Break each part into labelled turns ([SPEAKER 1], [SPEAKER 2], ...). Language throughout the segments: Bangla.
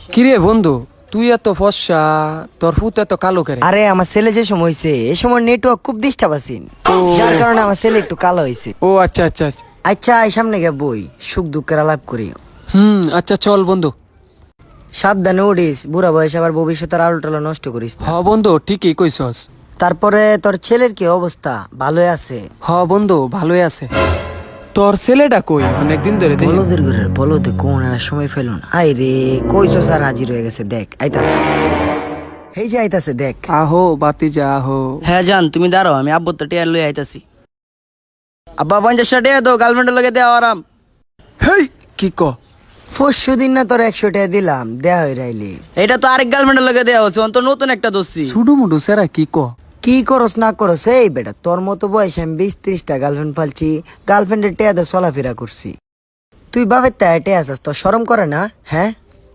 [SPEAKER 1] কিরে বন্ধু, তুই এত ফর্সা, তোর ফুত এত কালো করে?
[SPEAKER 2] আরে আমার ছেলে যে সময় হয়েছে এই সময় নেটওয়ার্ক খুব ডিস্টার্ব আছেন, যার কারণে আমার ছেলে একটু কালো হয়েছে।
[SPEAKER 1] ও আচ্ছা আচ্ছা আচ্ছা।
[SPEAKER 2] আচ্ছা এই সামনে গিয়ে বই, সুখ দুঃখের আলাপ করি।
[SPEAKER 1] আচ্ছা চল বন্ধু।
[SPEAKER 2] সাবধানে উড়িস, বুড়া বয়স আবার ভবিষ্যতের আলো টালো নষ্ট করিস না।
[SPEAKER 1] হ বন্ধু, ঠিকই কইছস।
[SPEAKER 2] তারপরে তোর ছেলের কি অবস্থা, ভালোই আছে?
[SPEAKER 1] হ বন্ধু, ভালোই আছে। তোর ছেলেটা কই? অনেকদিন ধরে দেখি।
[SPEAKER 2] বলদের ঘরের বলদে কোন একটা সময় ফেলুন। আই রে কইছো স্যার হাজির হয়ে গেছে, দেখ আইতাছে, এই যে আইতাছে দেখ।
[SPEAKER 1] আহো বাতিজা আহো।
[SPEAKER 3] হ্যাঁ জান, তুমি দাঁড়াও, আমি আব্বুর তো টিয়ার লই আইতাছি। আব্বা 50 টাকা দাও, গার্লফ্রেন্ডের লগে দেওয়া আরাম।
[SPEAKER 1] হেই কি ক?
[SPEAKER 2] পরশু দিন না তোর 100 টাকা দিলাম, দেয়া হয়ে রাইলি।
[SPEAKER 3] এটা তো আরেক গার্লফ্রেন্ডের লগে দেওয়া হচ্ছে, অন্ত নতুন একটা দোষী।
[SPEAKER 1] ছুডু মুডু সেরা কি ক?
[SPEAKER 2] কি করস না করস এই বেটা, তোর মতো বয়সে আমি 20-30টা গার্লফ্রেন্ড ফালছি, গার্লফ্রেন্ডের টেয়াদে চলাফেরা করছি। তুই বাবের তাই টে আসাস, তোর শরম করে না? হ্যাঁ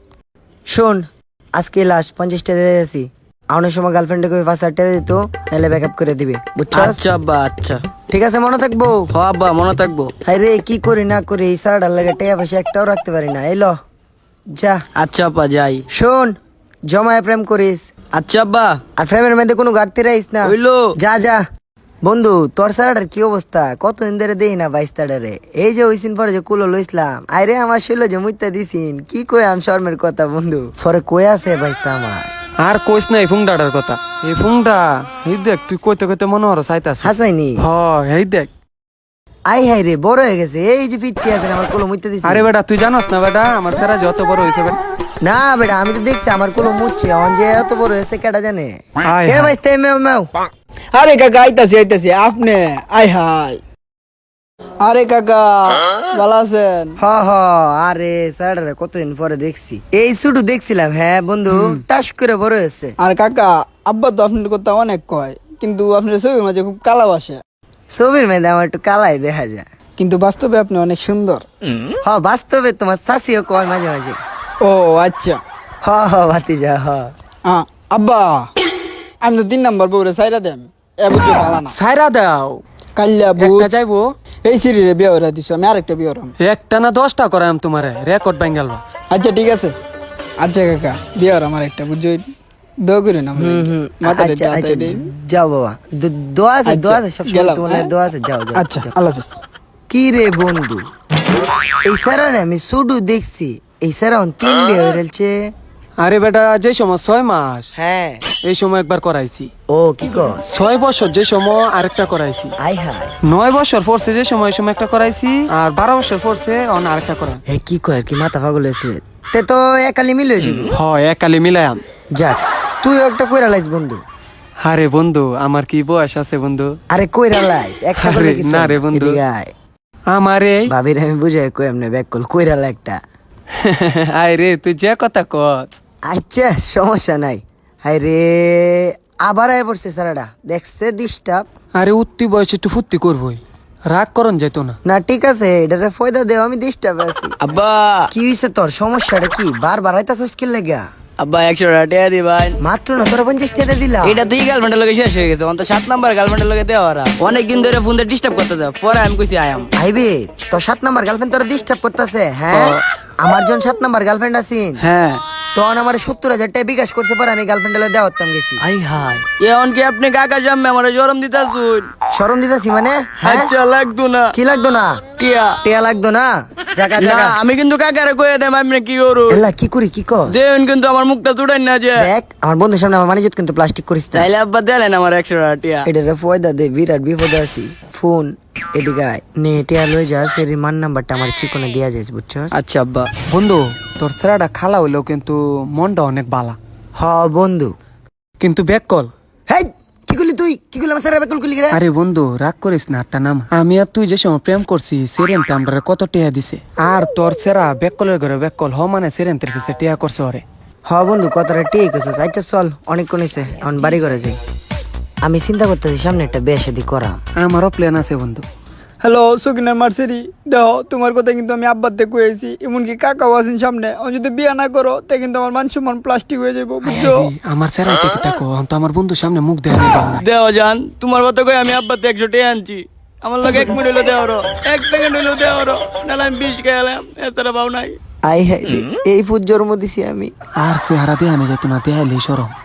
[SPEAKER 2] শোন, আজকে লাস্ট 50 টাকা দিয়ে দিয়েছি, আউনের সময় গার্লফ্রেন্ডে কই 5,000 টাকা দিত, নাহলে ব্যাকআপ করে দিবে, বুঝছস?
[SPEAKER 3] আচ্ছা আব্বা, আচ্ছা।
[SPEAKER 2] ঠিক আছে, মনে থাকবো।
[SPEAKER 3] হ আব্বা, মনে থাকবো।
[SPEAKER 2] হাই রে কি করি না করি এই সারাটার লাগে টেয়া পয়সা একটাও রাখতে পারি না। এলো যা।
[SPEAKER 3] আচ্ছা আব্বা, যাই।
[SPEAKER 2] শোন, জমায় প্রেম করিস,
[SPEAKER 3] আচ্ছা আব্বা।
[SPEAKER 2] আর প্রেমের মধ্যে কোনো ঘাটতি রাখিস না।
[SPEAKER 3] হইলো।
[SPEAKER 2] যা যা। বন্ধু তোর সারাটার কি অবস্থা, কতদিন ধরে দেই না 22টারে, এই যে ওইদিন পরে যে কুলো লইছিলাম, আরে আমার শৈল যে মুইতা দিছিন, কি কই আম শর্মের কথা বন্ধু, পরে কই আছে বাইস্তা আমার।
[SPEAKER 1] আর কইস না এই ফুংডাটার কথা। এই ফুংডা, এই দেখ তুই কইতে কইতে মনে হর চাইতাছ।
[SPEAKER 2] হাসাইনি?
[SPEAKER 1] হ এই দেখ।
[SPEAKER 2] আই হাই রে বড় হয়ে গেছে, এই যে পিচ্ছি আছে আমার কোলো মুইতা দিছি।
[SPEAKER 1] আরে বেটা তুই জানোস না বেটা, আমার সেরা যত বড় হইছে বেটা।
[SPEAKER 2] না বেটা আমি তো দেখছি আমার কোলো মুচ্ছে, অন যে এত বড় হয়েছে কেডা জানে।
[SPEAKER 1] আয়
[SPEAKER 2] এ
[SPEAKER 1] হায়।
[SPEAKER 2] বাইস্তা মেও মেও।
[SPEAKER 4] আরে কাকা আইতাছি আইতাছি, আপনি আই হাই। আরে কাকা ভালো আছেন?
[SPEAKER 2] হ হ, আরে সারাটারে কতদিন পরে দেখছি, এই শুধু দেখছিলাম। হ্যাঁ বন্ধু, টাস করে বড় হয়েছে।
[SPEAKER 4] আর কাকা, আব্বা তো আপনার কথা অনেক কয়, কিন্তু আপনার ছবির মাঝে খুব কালা বাসে,
[SPEAKER 2] ছবির মেয়েদের আমার একটু কালাই দেখা যায়,
[SPEAKER 4] কিন্তু বাস্তবে আপনি অনেক সুন্দর।
[SPEAKER 2] হ বাস্তবে তোমার শাশিও কয় মাঝে মাঝে।
[SPEAKER 4] ও আচ্ছা।
[SPEAKER 2] হ হ ভাতিজা হ।
[SPEAKER 4] আব্বা আমি তো 3 নাম্বার বউরে সাইরা দেন, এ বুঝতে পালা না।
[SPEAKER 1] সাইরা দাও।
[SPEAKER 4] কাল্লা বুট
[SPEAKER 1] একটা যাইবো।
[SPEAKER 4] এই সিরিরে বিয়ে হয়ে দিছো, আমি আরেকটা বিয়ে হরাম।
[SPEAKER 1] একটা না 10টা করাম তোমারে, রেকর্ড বাঙ্গালবা।
[SPEAKER 4] আচ্ছা ঠিক আছে। আচ্ছা কাকা বিয়ে হরাম আরেকটা, বুঝছো? দোয়া করেন আমার মাথাটা
[SPEAKER 2] আচ্ছা
[SPEAKER 4] একটু
[SPEAKER 2] আচ্ছা
[SPEAKER 4] হাতায় দিন।
[SPEAKER 2] যাও বাবা, দোয়া আছে দোয়া আছে, সব
[SPEAKER 4] গেলাম,
[SPEAKER 2] তোমার
[SPEAKER 4] হ্যাঁ?
[SPEAKER 2] দোয়া আছে, যাও যাও
[SPEAKER 4] আচ্ছা
[SPEAKER 2] যাও।
[SPEAKER 4] আল্লাহ হাফেজ।
[SPEAKER 2] কি রে বন্ধু, এই স্যারারে আমি শুধু দেখছি, এই স্যারা 3 বিয়ে হয়ে রয়েছে।
[SPEAKER 1] আরে বেটা, যে সময় 6 মাস
[SPEAKER 2] হ্যাঁ
[SPEAKER 1] এই সময় একবার করাইছি।
[SPEAKER 2] ও কি কর?
[SPEAKER 1] 6 বছর যে সময় আরেকটা করাইছি।
[SPEAKER 2] আই হাই
[SPEAKER 1] 9 বছর পড়ছে যে সময় এই সময় একটা করাইছি, আর 12 বছর পড়ছে অন আরেকটা করাই।
[SPEAKER 2] এ কি কয়, কি মাথা পাগল হয়েছে? তে তো একালি মিলে যাবে।
[SPEAKER 1] হ একালে মিলায়াম।
[SPEAKER 2] যাক তুই একটা কইরা লাইস বন্ধু।
[SPEAKER 1] আরে বন্ধু, আমার কি বয়স আছে বন্ধু?
[SPEAKER 2] আরে কইরা লাইস একটা
[SPEAKER 1] আরে
[SPEAKER 2] বলে কিছু
[SPEAKER 1] না রে বন্ধু।
[SPEAKER 2] এদিকে আয়।
[SPEAKER 1] আমারে
[SPEAKER 2] ভাবির আমি বুঝাই কই এমনি ব্যাক কল কইরা লাই একটা।
[SPEAKER 1] আয় রে, তুই যে কথা কস।
[SPEAKER 2] আচ্ছা সমস্যা নাই। হাই রে আবার আয় পড়ছে সারাটা, দেখছে ডিস্টার্ব।
[SPEAKER 1] আরে উত্তি বয়সে একটু ফুর্তি করবই, রাগ করন যেত না।
[SPEAKER 2] না ঠিক আছে, এটারে ফয়দা দেও, আমি ডিস্টার্ব আছি।
[SPEAKER 3] আব্বা
[SPEAKER 2] কি হইছে তোর, সমস্যাটা কি? বারবার আইতাছস কি লাগা?
[SPEAKER 3] আব্বা 100 টাকা দিবেন।
[SPEAKER 2] মাত্র না তোরা 50 টাকা দিলাম।
[SPEAKER 3] এটা তুই গার্লফ্রেন্ডের লগে শেষ হয়ে গেছে, অন্ত 7 নাম্বার গার্লফ্রেন্ডের লগে দেওয়া আরাম। অনেকদিন ধরে ফোন দিয়ে ডিস্টার্ব করতে দাও, পরে আমি কইছি আয়াম।
[SPEAKER 2] আইবে তোর 7 নাম্বার গার্লফ্রেন্ড তোরা ডিস্টার্ব করতেছে? হ্যাঁ আমার জন 7 নাম্বার গার্লফ্রেন্ড আছিন,
[SPEAKER 3] হ্যাঁ।
[SPEAKER 2] তখন আমার 70,000 টাকা বিকাশ করছে, পরে আমি গার্লফ্রেন্ডে দেওয়াতাম গেছি।
[SPEAKER 3] আই হাই, এখন কি আপনি কাকা জাম্মে আমার জরম দিতাছুন?
[SPEAKER 2] শরম দিতাছি মানে? হ্যাঁ
[SPEAKER 3] আচ্ছা লাগতো না।
[SPEAKER 2] কি লাগতো না?
[SPEAKER 3] টিয়া
[SPEAKER 2] টিয়া লাগতো না? জায়গা
[SPEAKER 3] না,
[SPEAKER 2] জায়গা
[SPEAKER 3] আমি কিন্তু কাকারে কইয়া দেম আপনি কি করু।
[SPEAKER 2] এলা কি করি কি কর?
[SPEAKER 3] দেন কিন্তু আমার মুখটা চুড়াই না যে।
[SPEAKER 2] দেখ আমার বন্ধুর সামনে আমার মানিজত কিন্তু প্লাস্টিক করিস না।
[SPEAKER 3] তাইলে আব্বা দিলেন আমার 100 টাকা টিয়া।
[SPEAKER 2] এটারে ফয়দা দে, বিরাট বিপদে আছি। ফোন এদিকে আয়, নে টিয়া লই যা, সেরি মান নাম্বারটা আমার চিকনে দিয়া যাইস, বুঝছো?
[SPEAKER 3] আচ্ছা আব্বা।
[SPEAKER 1] বন্ধু, তোর ছেলেটা খালা হইলেও কিন্তু মনটা অনেক বালা,
[SPEAKER 2] হ বন্ধু।
[SPEAKER 1] কিন্তু ব্যাক কল।
[SPEAKER 2] হেই কি করলি তুই, কি করলি আমার স্যার বেকল করলি রে?
[SPEAKER 1] আরে বন্ধু রাগ করিস না, একটা নাম। আমি আর তুই যে সময় প্রেম করছি, সেরেন্তে আমরা কত টিয়া দিছে, আর তোর সেরা ব্যাককলের ঘরে ব্যাককল হ মানে সেরেন্তের কাছে টিয়া করছে ওরে।
[SPEAKER 2] হ বন্ধু কথাটা ঠিক আছে। আচ্ছা চল, অনেকক্ষণ হয়েছে, এখন বাড়ি করে যাই। আমি চিন্তা করতেছি সামনে একটা বিয়ে শাদী করা।
[SPEAKER 1] আমারও প্ল্যান আছে বন্ধু।
[SPEAKER 4] হ্যালো সকিনার মার্সেরি, দেখো তোমার কথা কিন্তু আমি আব্বার থেকে কয়েছি, এমনকি কাকাও আছেন সামনে, ও যদি বিয়ে না করো তে কিন্তু আমার মান সম্মান প্লাস্টিক হয়ে যাবো, বুঝছো?
[SPEAKER 1] আমার সেরা টাকো তো আমার বন্ধু সামনে মুখ দেয়া নেই।
[SPEAKER 3] দেও জান, তোমার কথা কই আমি আব্বা 100 টাকা আনছি। আমার লগে 1 মিনিট হইলো দেওয়ারো, 1 সেকেন্ড হইলো দেওয়ারো, নাহলে আমি 20 খেলাম, এছাড়া পাও নাই।
[SPEAKER 2] আই হ্যাঁ এই ফুট জন্ম দিছি আমি।
[SPEAKER 1] আর চেহারা দেখানো যেত না দেখাইলেই সরম।